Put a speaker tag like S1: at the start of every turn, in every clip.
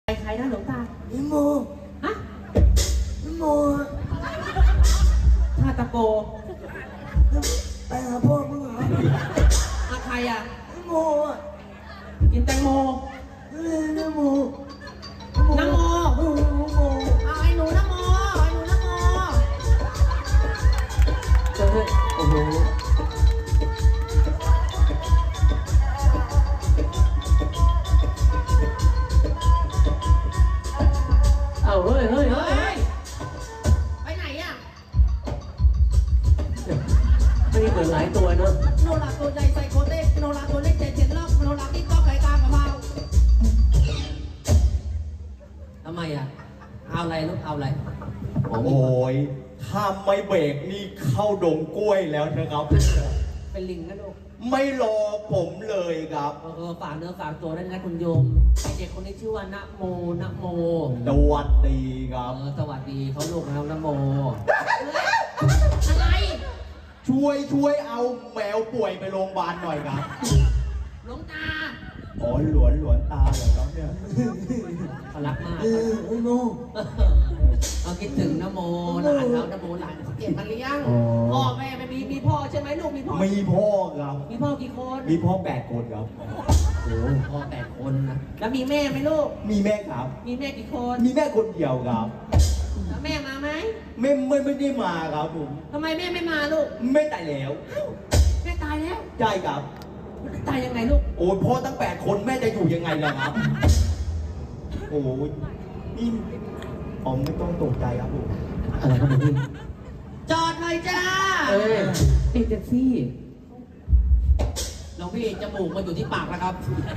S1: ใครนะหลวงตา
S2: นิโม
S1: ฮะ
S2: นิโม
S1: ท่าตะโก
S2: ไปหาพ่อมึงเหรอ
S1: ใครอ่ะ
S2: นิโม
S1: กินแตงโม
S2: นิโม
S1: น้ำโมเอาไอ้หนูน้ำโมไอ้หนูน้ำโมเฮ้ยโอ้โหเอาเฮ้ยไปไหนอ่ะไม่ได้เปิดหลายตัวเนอะโนราตัวใหญ่ใส่โคเต้โนราตัวเล็กแต่เจ็ดรอบโนราที่ก๊อกไก่กลางกับเบาทำไมอ่ะเอาอะไรลูกเอาอะไร
S3: โอ้ยถ้าไม่เบรกนี่เข้าดงกล้วยแล้วนะครับ
S1: เป็นลิงนะลูก
S3: ไม่รอผมเลยครับ
S1: ฝากเนื้อฝากตัวด้วยนะคุณโยมเด็กคนนี้ชื่อว่านะโม
S3: สวัสดีครับ
S1: สวัสดีเขาลูกแล้วนะโมอะไร
S3: ช่วยเอาแมวป่วยไปโรงพยาบาลหน่อยครับ
S1: หลวงตา
S3: อ๋อหลวนตาเหรอครับเนี่ย
S1: เขารักมาก
S2: นิโม
S1: เราคิดถึงนะโมหลานเรานะโมหลานเก็บมาเลี้ยงพ่อแม่ไม่มีพ่อใช่ไหมลูกมีพ่อ
S3: มีพ่อครับ
S1: มีพ่อกี่คน
S3: มีพ่อ8 คนครับ
S1: โอ้พ่อ8 คนนะแล้วมีแม่ไหมลูก
S3: มีแม่ครับ
S1: มีแม่กี่คน
S3: มีแม่คนเดียวครับ
S1: แล้วแม่มาไหม
S3: ไม่ได้มาครับผม
S1: ทำไมแม่ไม่มาลูก
S3: แม่ตายแล้ว
S1: แม่ตายแล้ว
S3: ใช่ครับ
S1: ตายยังไงลูก
S3: โอ้พ่อตั้ง8 คนแม่จะอยู่ยังไงล่ะครับโอ้ยนี่อ๋อไม่ต้องตกใจครับผม
S1: อะไรครับพี่จอดหน่อยจ้าติดแท็กซี่น้องพี่จมูกมาอยู่ที่ปากแล้วครับ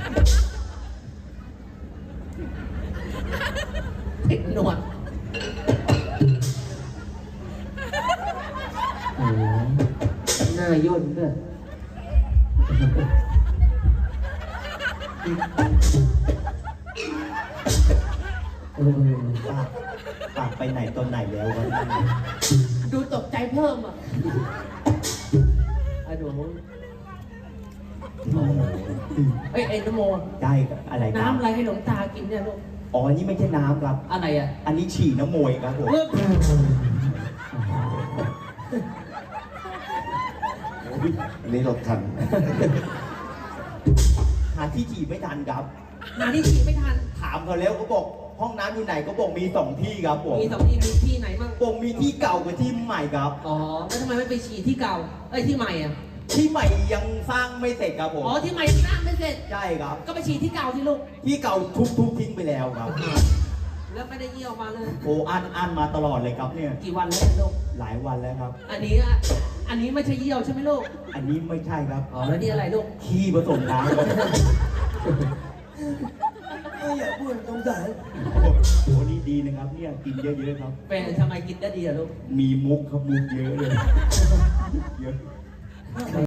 S1: ติดหนวดโอ้หน้าย่นด้วย
S3: ปากไปไหนตอนไหนแล้ววะ
S1: ดูตกใจเพิ่มอ่ะไอ้หนูเอ้ยนโม
S3: ได้อะไร
S1: น้ำอะไรให้หลวงตากินเนี่ยลูก
S3: อ๋อนี่ไม่ใช่น้ำครับ
S1: อะไรอ่ะ
S3: อันนี้ฉี่น้ำมวยครับผม
S2: นี่รถทัน
S3: หาที่ฉี่ไม่ทันครับ
S1: หาที่ฉี่ไม่ทัน
S3: ถามเขาแล้วเขาบอกห้องน้ำอยู่ไหนก็บอกมี2 ที่ครับผม
S1: มี2 ที่มีที่ไหนบ้าง
S3: บอกมีที่เก่ากับที่ใหม่ครับ
S1: อ๋อแล้วทำไมไม่ไปฉี่ที่เก่าที่ใหม่อ่ะ
S3: ที่ใหม่ยังสร้างไม่เสร็จครับผม
S1: อ๋อที่ใหม่สร้างไม่เสร็จ
S3: ใช่ครับ
S1: ก็ไปฉี่ที่เก่าที่ลูก
S3: ที่เก่าทุบทิ้งไปแล้วครับ
S1: แล้วไม่ได้เยี่ยวมาเลย
S3: โอ้อันมาตลอดเลยครับเนี่ย
S1: กี่วันแล้วลูก
S3: หลายวันแล้วครับ
S1: อันนี้ไม่ใช่เยี่ยวใช่ไหมลูก
S3: อันนี้ไม่ใช่ครับ
S1: อ๋อแล้วนี่อะไรลูก
S3: ขี้ผสมน้ำ
S2: อย่าพูดตรงใจ
S3: โอ้นี่ดีนะครับเนี่ยกินเยอะๆครับ
S1: เป็นทำไมกินได้ดีอะลูก
S3: มีมุกครับมุกเยอะเลยเยอะ